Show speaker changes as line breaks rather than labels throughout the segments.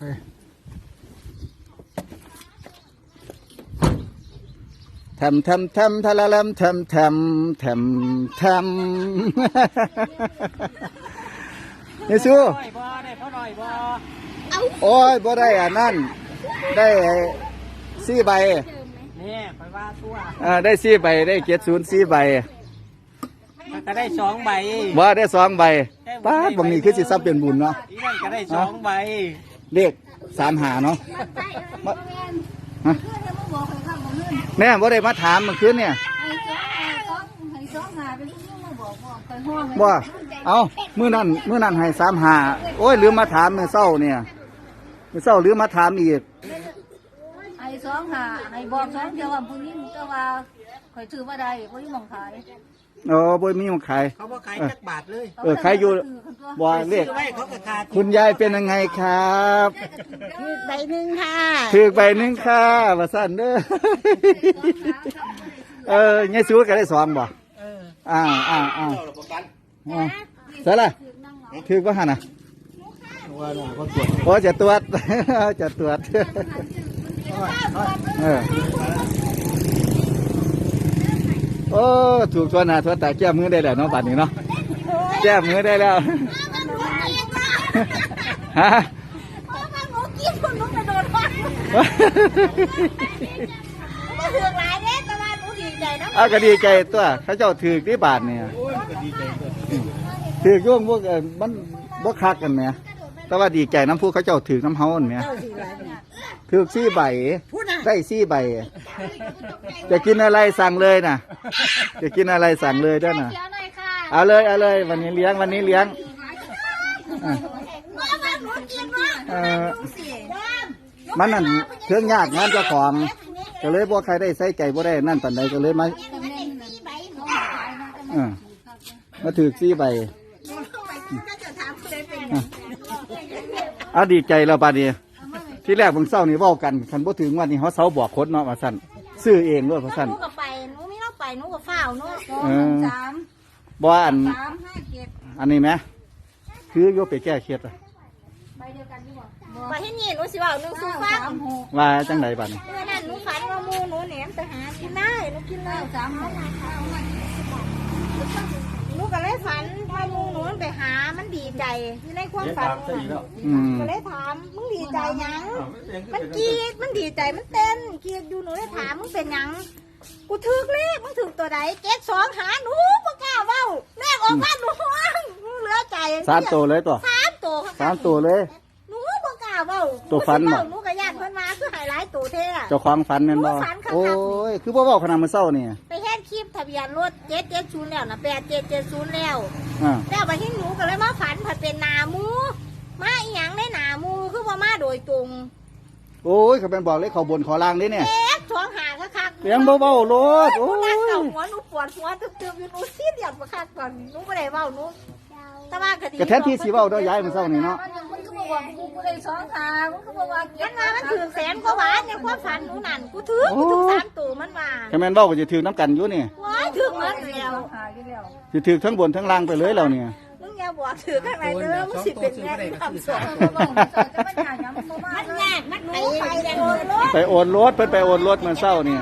ทำทะละลำทำนี่สู้โอ้ยบ่ได้อ่ะนั่นได้4 ใบ
นี่ไปว่าตัว
ได้4 ใบได้70 4 ใบ
ก็ได้2 ใบ
ว่าได้2 ใบป้าบางนี้คือสิซับเป็นบุญเนาะ
อีนั่นก็ได้2 ใบ
เลข35เนาะแม่บ่ได้มาถามเมื่อคืนเนี่ยบ่เอามื้อนั้นให้35โอ้ยลืมมาถามมื้อเช้าเนี่ยมื้อเช้าลืมมาถามอีก
ให้25ให้บอก2เดียวว่าผู้หญิงก็ว่าข่อยซื้อบ่ได้บ่มีหม้องขาย
บ่มีมาขาย
เขาบ่ขายจักบาทเลย
ขายอยู่บ่เลขคุณยายเป็นยังไงครับ
ถูกใบหนึ่งค่ะ
ถูกใบหนึ่งค่ะว่าซั่นเด้อยายสู้ก็ได้2บ่เสร็จละถูกบ่หั่นน่ะโอ้จะตรวจจะตรวจโอ้ถูกตัวหน้าตัวตาแก้มือได้แล้วเนาะบัดนี้เนาะแก้มือได้แล้วฮะก็ดีใจตัวเขาเจ้าถือที่บาทเนี่ยถือยุ่งพวกมันบ่คักกันเนี่ยแต่ว่าดีใจน้ำผู้เขาเจ้าถือน้ำเฮาเนี่ยถือ4 ใบได้4 ใบจะกินอะไรสั่งเลยนะจะกินอะไรสั่งเลยด้วยนะเอาเลยวันนี้เลี้ยงมันนั่นเครื่องยากงานเจ้าของก็เลยบ่ใครได้ใส่ใจบ่ได้นั่นปานใดก็เลยมาถือ4 ใบดีใจแล้วปานนี้ที่แรกเพิ่งเศร้านี่เว้ากันคันบ่ถึงวันนี้เขาเศร้าบอกคนเนาะว่าซั่นซื้อเองด้วยว่าซั่น
หนูก็ไปหนูมีเราไปหนูก็เฝ้าเนาะ
บ่อันนี้ไหมคือโยไปแก้เครียด
ว่าที่นี่หนูสิว่าหนูสู้ฟัง
ว่าจังไดบัดนี้
เมื่อนั้นหนูฝันว่าหมูหนูแหนมไปหากินได้หนูกินเลยหนูก็เลยฝันว่าหมูหนูไปหามันดีใจอยู่ในความฝันก็เลยถามมึงดีใจยังมันกีดมันดีใจมันเต้นกีดอยู่หนูเลยถามมึงเป็นยังกูถือเลขมึงถือตัวไหน72หาหนูบ่กล้าเว้าเลขออกมาหนูเหลือใจ
3 ตัวเลยตัว3 ตัวเลย
หนูบ่กล้าเว้า
ตัวฟันบ่
หนูก็ญาติเพิ่นมาคือหายหลายตัวแท้
เจ้าของฟันแม่นบ่โอ้ยคือบ่เว้าขนาดมื้อเช้านี่
ไปเฮ็ดคลิปทะเบียนรถ770แล้วนะ8770แล้วแล้วบัดนี้หนูก็เลยมาฝันผัดเป็นหน้าหมูมาอีหยังในหน้าหมูคือบ่มาโดยตรง
โอ้ยเขาเป็นบอกเลยเขาบนขอล่างนี่เนี่ย
2หาคัก
ๆเสียงเบาๆโลดโอ้ย
หัวหนูปวดหัวตึบๆอยู่หนูซีเรียสบ่คักก่อนหนูบ่ได้เว้าหนูแต่ว่าก็ดี
ก็แทนที่สิเว้าเด้อยายมื้อเช้านี่เนาะ
มันก็บอกว่ากูได้2หามันก็บอกว่ามันถือแสนกว่าบาทในความฝันหนูนั่นกูถือ3ตัวมันว่า
แค่แม่นเว้าก็สิถือน้ำกันอยู่นี่
ว้ายถือหมดแล้ว
สิถือทั้งบนทั้งล่างไปเลยแล้วเนี่ย
มึงอย่าบอกถือข้างในเด้อมันสิเป็นแม่คำสอนมันยากมันรู้
ไปโอนรถเพิ่นไปโอนรถมื้อเช้านี่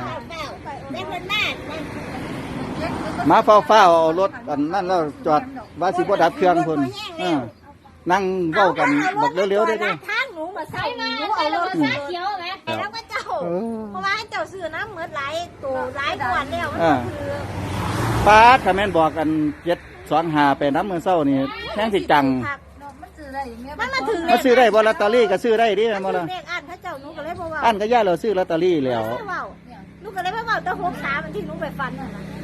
มาเฝ้าเอารถอันนั้นแล้วจอดว่าสิบ่ดับเครื่องเพิ่นนั่งเว้ากันบอกเร็วๆได้เด้อ
ทางหนูมาใส่หนูเอารถเขียวแหมแล้วก็เจ้าเพราะว่าเจ้าซื้อน้ำเหมือนหลายตัวหลายขวดแล้ว
ป้าถ้าแม่นบอกกัน725ไปน้ำมื้อเช้านี่แท้งสิจัง
มันมาถึง
มาซื้อได้บ่ลอตเตอรี่ก็ซื้อได้ดิแม่นบ่ล่ะ
เลขอันพระเจ้าหนูก็เลยบ่ว่า
อันก็ย่าเราซื้อลอตเตอรี่แล้ว
หนูก็เลยบ่ว่าแต่63ที่หนูไปฟันนั่นน่ะ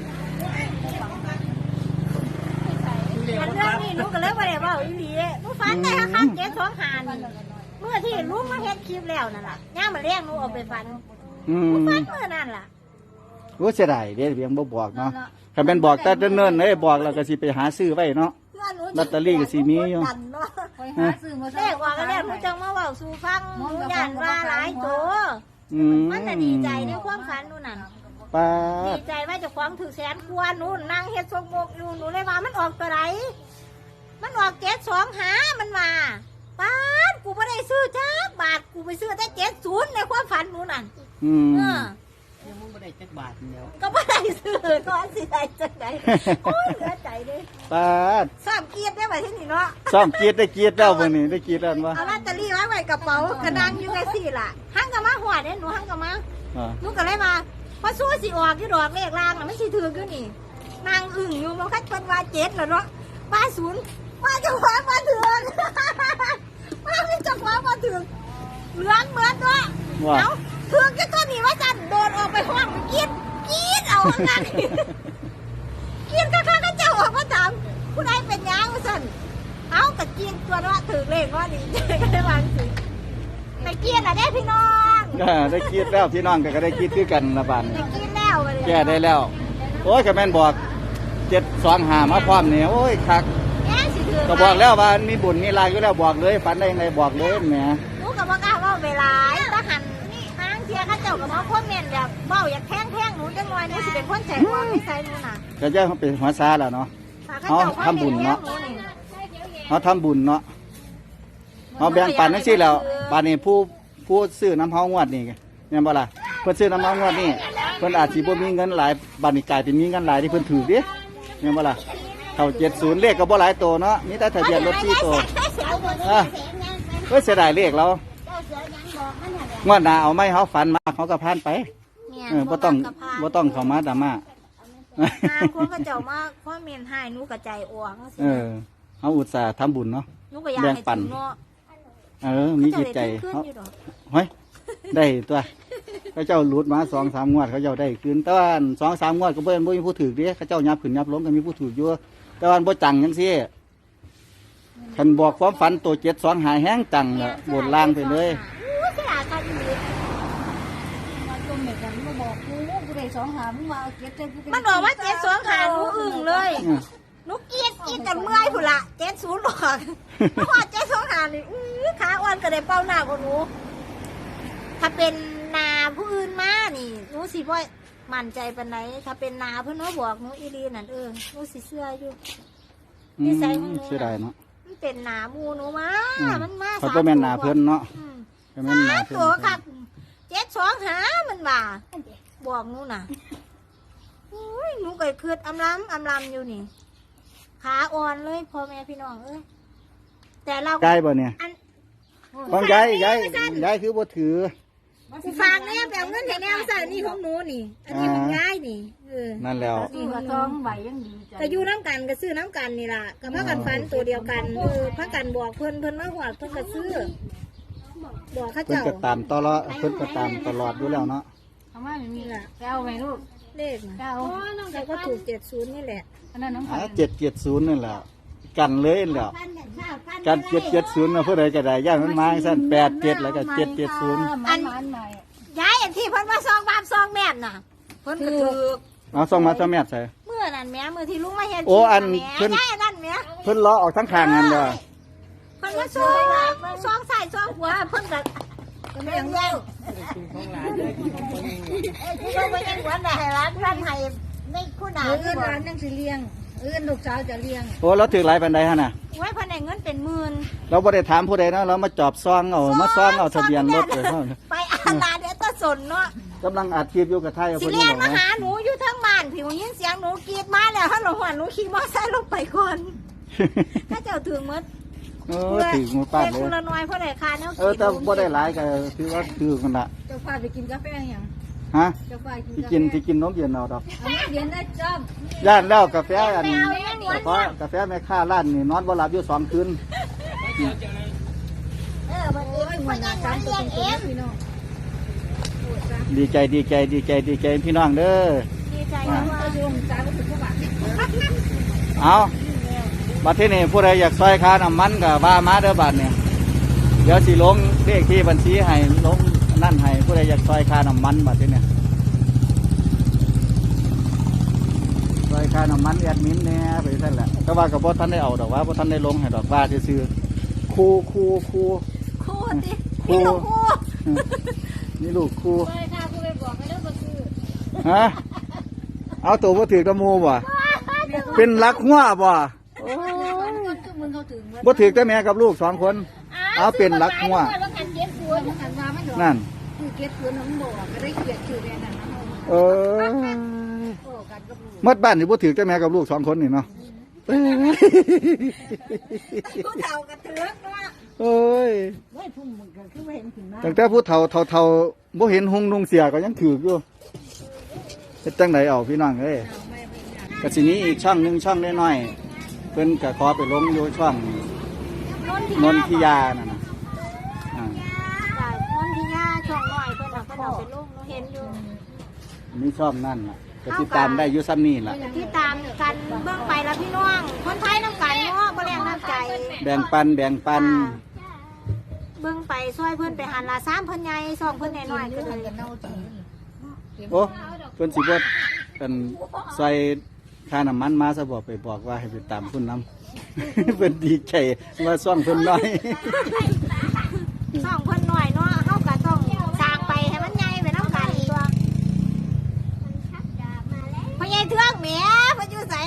อันเรื่องนี้หนูก็เลยบ่ได้เว้าอีหลีหนูฟันได้คัก725นี่เมื่อที่ลุงมาเฮ็ดคลิปแล้วนั่นล่ะย่างมาเลี้ยงหนูเอาไปฟันหนูฟันเมื่อนั่นล่ะ
รู้เสียดายเด้เพียงบ่บอกเนาะคันแม่นบอกแต่เนิ่นๆเด้บอกแล้วก็สิไปหาซื้อไว้เนาะลอตเตอรี่ก็สิมีอยู่
เลขว่าก็แล้วหนูจังมาเว้าสู่ฟังหนูย่านว่าหลายตัวมันน่ะดีใจในความฝันหนูนั่น
ป้า
ดีใจว่าเจ้าของถือแสนกว่าหนูนั่งเฮ็ดสมบกอยู่หนูเลยว่ามันออกตัวไหนมันออก725มันมาป้าดกูไม่ได้ซื้อจ้าบาทกูไปซื้อแต่70ในความฝันหนูนั่น
อืม
เออ
ยังมึงไม่ได้จักบาทเดียว
ก็ไม่ได้ซื้อก็สิได้จังไดโอ้ยเหลือใจเลย
ปาด
ซ้ำเกียรติได้ไว้ที่นี่เนาะ
ซ่อมกรีดได้กรีดแล้วมื้อนี้ได้กรีดแล้วบ่
เอาลอตเตอรี่ไว้กระเป๋ากระดังอยู่ไงสิล่ะหังกะมาหัวเด้หนูหังกะมา
อ่า
หนูก็เลยมาพอสู้สิออกที่ดอกเลขล่างน่ะมันสิถืออยู่นี่นางอึ่งอยู่มันคัดเพิ่นว่า7แล้วเนาะว่า0ว่าเจ้าของมาถึงว่ามีเจ้าของมาถึงเหลืองเหมือนเนาะ
ว่า
เอาถึงจะต้นนี้ว่าจันโดนออกไปห้องกรีดเอาข้างหน้านี่กรีดข้างๆก็เจ้าออกมาถามผู้ใดเป็นหยังว่าซั่นเอากระเกียงตัวเนาะถือเลขว่าดีใจก็ได้วางสิไปเกียนอ่ะเด้พี่น้อง
ได้กรีดแล้วพี่น้องก็ได้กรีดคือกันละบาด
ไปเกียนแล้วไปเลย
แก้ได้แล้ว โอ้ยก็แม่นบอก725มาพร้อมนี่โอ้ยคัก
แม่สิถือ
ก็บอกแล้วว่ามีบุญมีลายอยู่แล้วบอกเลยฝันได้ยังไงบอกเลยแหม
หนูกับว่ากล้าเว่าเวลาทหารนี่ทางเทียเข้าเจ้ากับมาคอมเมนต์แบบเบ้าอยากแท่งหนูจังหน่อยหนูสิเป็นคนแจกความนิสัยหนูน่ะ
ก็จะเขาเป็นหัวซาแล้วเนาะ
ถ้เข้จ้คอมมนต์แท่งหนี่
เขาทำบุญเนาะเขาแบ่งปันนั่นสิแล้วบานนี้ผู้ซื้อน้ำเฮางวดนี่เนี่ยบ่ล่ะเพิ่นซื้อน้ำเฮางวดนี่เพิ่นอาจสิบ่มีเงินหลายบานนี้กลายเป็นมีเงินหลายที่เพิ่นถือดิเนี่ยบ่ล่ะเข้า70เลขก็บ่หลายตัวเนาะมีแต่ทะเบียนรถ4ตัวอ่ะเพิ่นเสียดายเลขเรางวดหน้าเอาไหมเขาฝันมาเขาก็ผ่านไปบ่ต้องเข้ามาดราม่า
คนก็เจ้ามาคอมเมนต์ให้หนูกระจายอวง
เขาอุตส่าห์ทำบุญเนาะ
หนูก็อยากให้ถึงเนาะ
มีจิตใจ
ขึ้น
เขา
อยู่ดอก
เฮ้ยได้ตัวเขาเจ้าหลุดมา2-3 งวดเขาเจ้าได้คืนแต่ว่า2-3 งวดก็บ่มีผู้ถือเด้เขาเจ้ายับขึ้นยับลงก็มีผู้ถืออยู่แต่ว่าบ่จังจังซี่คันบอกความฝันตัว7-2หายแห้งจังละบนล่างไปเลย
อู้สิอากันอยู่มันบอกว่า7-2ขาหนูอึ้งเลยหนูกรีดจนเมื่อยพุ่นละ70หรอกเพราะว่า7-2ขานี่ขาอ่อนก็ได้เป้าหน้ากว่าหนูถ้าเป็นนาผู้อื่นมานี่หนูสิบ่มั่นใจปานใดถ้าเป็นนาเพิ่นมาบอกหนูอีหลีนั่นหนูสิเชื่ออยู่ นิสัยของหนู
เสียดายเนาะ
มันเป็นหนาหมูหนูมามันมา
เขาก็แม่นหนาเพิ่นเนาะ
อืม
ก็แม่นหนาเพิ่น
ตัวครับ7-2หามันว่าบอกหนูน่ะอุ้ยหนูก็คืดอำลำอยู่นี่ขาอ่อนเลยพ่อแม่พี่น้องแต่เรา
ใกล้บ่เนี่ย
อัน
ของยายคือบ่ถือ
ฝากแน่แบบเงินให้แน่ใส่นี่ของหนูนี่ อันนี้ของยายนี่
นั่นแล้ว
นี่ก็ต้องใบยังดีก็อยู่น้ำกันก็ซื้อน้ำกันนี่ล่ะก็มากันฟันตัวเดียวกันพักกันบอกเพิ่นมาหวดเพิ่นก็ซื้อบอกข้า
เพิ่น
เจ้า
ก็ตามตลอดเพิ่นก็ตามตลอดอยู่แล้วเนาะ
เอามาไม่มีละแก้วไหมลูกเลขนะแก้วแล้วก็ถูก70นี่แหละอันนั้นน้อง
770นั่นแหละกันเลยแหละกัน770นะผู้ใดก็ได้ย่านมันมาซั่น87แล้วก็770
อันย้ายอันที่เพิ่นมาซองบาปซองแม่นน่ะเพิ่นก็ถูก
เอาส่งมาซะแม่ใส่
เมื่อนั้นแม่มือที่ลุงมาเห็น
โอ้อัน
เพิ่
เพิ่
น
น
ย้ายอันนั้นแม่
เพิ่นล้อออกทั้งข้างนั่นเด้อ
เพิ่นมาซองใส่ซองหัวเพิ่นก็เลี้ยงเลี้ยง
ของหลานเลยของคนนี้
ที่เราไปยังหัวได้ร้านร้านไทยไม่คู่หนา
ร้านยังสิเลี้ยงลูกสาวจะเลี้ยง
โอ้เราถือหลายปานใดหั่นน่ะ
ไว้เพิ่นได้เงินเป็นหมื่น
เราบ่ได้ถามผู้ใดนะเรามาจอบซองเอามาซองเอาทะเบียนรถเลยเนาะ
ไปอาลาเดี๋ยวตะสนเนาะ
กำลังอัดคลิปอยู่กับไทยเอา
สิ
ผู้
เรี
นี้
ยน
บอก
มา
ว่า
หาหนูอยู่ทั้งบ้านผิวยินเสียงหนูกรีดมาแล้วฮัลโหลหัวหนูขี่มอไซค์ลงไปก่อนถ้าเจ้าถึงมืด
เออถือมือป้าดเล
คุ
ย
ละน้อยเพราะได้ค่าแนว
แต่บ่ได้หลายก็ถือว่าถือกันละ
เจ้าฟ้าไปกินกาแฟยัง
ฮะ
เจ้าฟ้ากิน
ที่
กาแฟ
กินที่กินนมเย็นเอาดอก
เอาเย็นได้จ้า
ย่านแล้วกาแฟอัน
ไปเอาอย่างนี้
เพราะกาแฟแม่ค้าร้านนี่นอนบ่หลับอยู่2 คืน
วันนี้พ่อยังหวานเลี้ยงเอง
พี่น้อง
ดีใจพี่น้องเด้อ
ดีใจนะว่า
เอาลงจ้าก็ถึงเข้าบ้าน
เอาบัดที่นี่ผู้ใดอยากซอยค่าน้ำมันก็ว่ามาเด้อบัดเนี่ยเดี๋ยวสิลงเลขที่บัญชีให้ลงนั่นให้ผู้ใดอยากซอยค่าน้ำมันบัดที่เนี่ยซอยค่าน้ำมันแอดมินเนี่ยไปซั่นแหละแต่ว่าก็บ่ทันได้เอาดอกว่าบ่ทันได้ลงให้ดอกว่าซื่อๆคู่
คู่สิ
คู่
พี่ลูกคู่
นี่ลูกคู่
ไปค่ะกูไปบอกให้เลิกมาซื้อ
ฮะเอาตัวบ่ถือกตะมูบ่เป็นรักหัวบ่
คนก็มึงเขาถึง
บ่ถือกแต่แม่กับลูก2 คน
อ้าว
เอาเป็นรักหัว
ว่ากันเก็บตัวหันว่ามันดอก
นั่น
คือเก็บตัวน้องบอกก็ได้เกียรติชื่อแม่นั่นนะ
เออ
โอ้กันกับลูก
หมดบ้านนี่บ่ถือแต่แม่กับลูก2คนนี่เนาะ
ผู้เฒ่ากระเทือกเนาะ
โอ้ย
เฮ้ยพุ่มมันก็คือเห็นขึ้นมา
ตั้งแต่ผู้เฒ่าบ่เห็นหงนุ่งเสียก็ยังถืออยู่เฮ็ดจังไดเอาพี่น้องเอ้ยก็สินี้อีกช่องหนึงช่องน้อยๆเพิ่นก็ขอไปลงอยู่ช่องนนทิยานั่นน่ะอ่า
จ้ะนนทิยาช่องน้อยเพิ่นเอาไปลงหนูเห็นอยู่
มีช่องนั่นน่ะก็ติดตามได้อยู่ซ้ำนี่ล่ะ
ที่ตามกันเบื้องไปแล้วพี่น้องคนไทยน้ำกันเนาะบ่แรงน้ำใจ
แบ่งปัน
เบื้องไปช่วยเพื่อนไปหันละ3เพิ่นใหญ่2เพิ่นน้อยๆก็เลย
โอ้เพิ่นสิบ่เป็นใส่ค่าน้ำมันมาซะบอกไปบอกว่าให้ไปตามคุณน้ำ เพิ่นดีใจว่าซ่องเพิ่นน้อย
2เพิ่นน้อยเนาะเฮาก็ต้องสร้างไปให้มันใหญ่ไปน้ำกันตัวพ่อใหญ่เทืองแหมเพิ่นอยู่ไส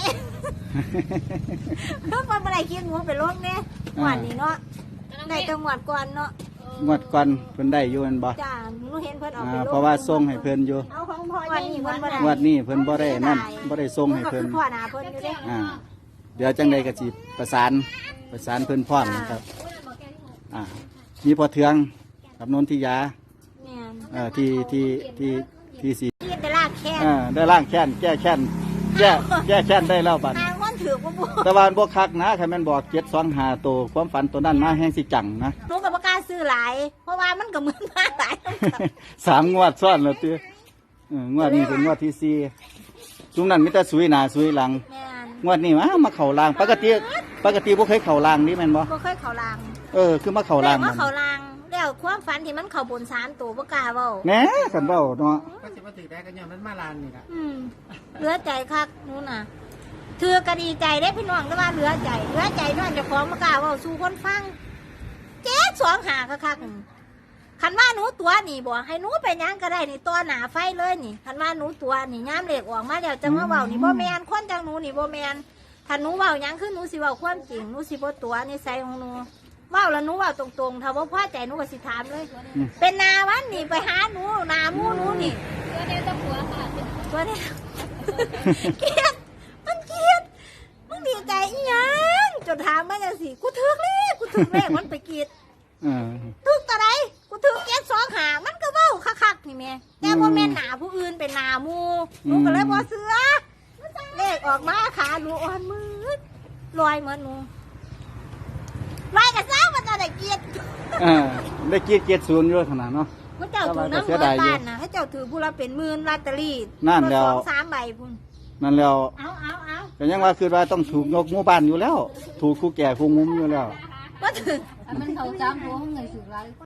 เพิ่นบ่ได้คิดหมูไปลงเด้หวดนี้เนาะได้แต่หวดก่อนเนาะ
งวดก่อนเพิ่นได้อยู่แม่นบ่
จ้าหนูเห็นเพิ่นเอาไปลง
เพราะว่าส่งให้เพิ่นอยู่
เอาของพ่อวันนี้เพิ่นบ่ได้
งวดนี้เพิ่นบ่ได้นั่นบ่ได้ส่งให้เพิ่น
ก็คือพ่อหน้าเพิ่นอยู่เด้
เดี๋ยวจังใดก็สิประสานเพิ่นพร้อมนะครับ มีพอเทืองกับนนทิยา
แม่น
ที่สิ
คิดแต่ลากแค่
ได้ล้างแค้นแก้แค้นแก้แค้นได้แล้วบัด
ทางคนถือบ่บ่
แต่ว่าบ่คักนะคันแม่นบอก725ตัวความฝันตัวนั้นมาแฮงสิจังนะ
หนูก็บ่กล้าซื้อหลาย เพราะว่ามันก็เหมือนมาหลาย
3 งวดซ้อนแล้วติงวดนี้เป็นงวดที่4จุ่มนั้นมีแต่สุยหน้าสุยหลัง
แม่น
งวดนี้มาเข้าลางปกติบ่เคยเข้าลางนี่แม่นบ่
บ่เคยเข้าลาง
คือมาเข้าลาง
แต่
มั
ว่าน เข้าลางแล้วความฝันที่มันเข้าบน3ตัวบ่กล้าเว้า
แหน่คันเว้าเนาะ
ก็สิมาถือได้กันย้อนมันมาลานนี่ล่ะ
เหลือใจคักหนูน่ะถือก็ดีใจได้พี่น้องแต่ว่าเหลือใจน้องเจ้าของบ่กล้าเว้าสู่คนฟัง725คักๆคันว่าหนูตัวนี่บ่ให้หนูไปหยังก็ได้นี่ตัวหน้าไฟเลยนี่คันว่าหนูตัวนี่ยามเลขออกมาแล้วจังมาเว้านี่บ่แม่นคนจังหนูนี่บ่แม่นถ้าหนูเว้าหยังคือหนูสิเว้าความจริงหนูสิบ่ตัวนิสัยของหนูเว้าแล้วหนูเว้าตรงๆถ้าบ่พอใจหนูก็สิถามเลย เป็นนาวันนี่ไปหาหนูนาหมูหนูนี่
ตัวเดียวจะหัวค่ะ
ตัวนี้ เกลียดมันเกลียดมึงดีใจอีหยังจนถามมาจังสิกูถึกเลขมันไปกรีด
เออ
ถึกตะไดกูถึก725มันก็เว้าคักๆนี่แม่แต่บ่แม่นหนาผู้อื่นเป็นหนาหมูหนูก็เลยบ่เสือเลขออกมาขาหนูอ่อนมืดลอยเหมือนหนูลอยก็ซ้ามันจะได้เกลียด
ได้เกียรติ0อยู่ขนาดเนาะ
พระเจ้าถือน้ำเงินบ้านนะพระเจ้าถือผู้ละเป็นหมื่นลอตเตอรี่
นั่นแล้ว
2-3 ใบพุ่น
นั่นแล้ว
เอา
ก็ยังว่าคือว่าต้องถูกยกหมู่บ้านอยู่แล้ว ถูกคู่แก่คู่มุมอยู่แล้ว
ว่าถึง
มันเขาจ้างหัวห้องไงสุดไร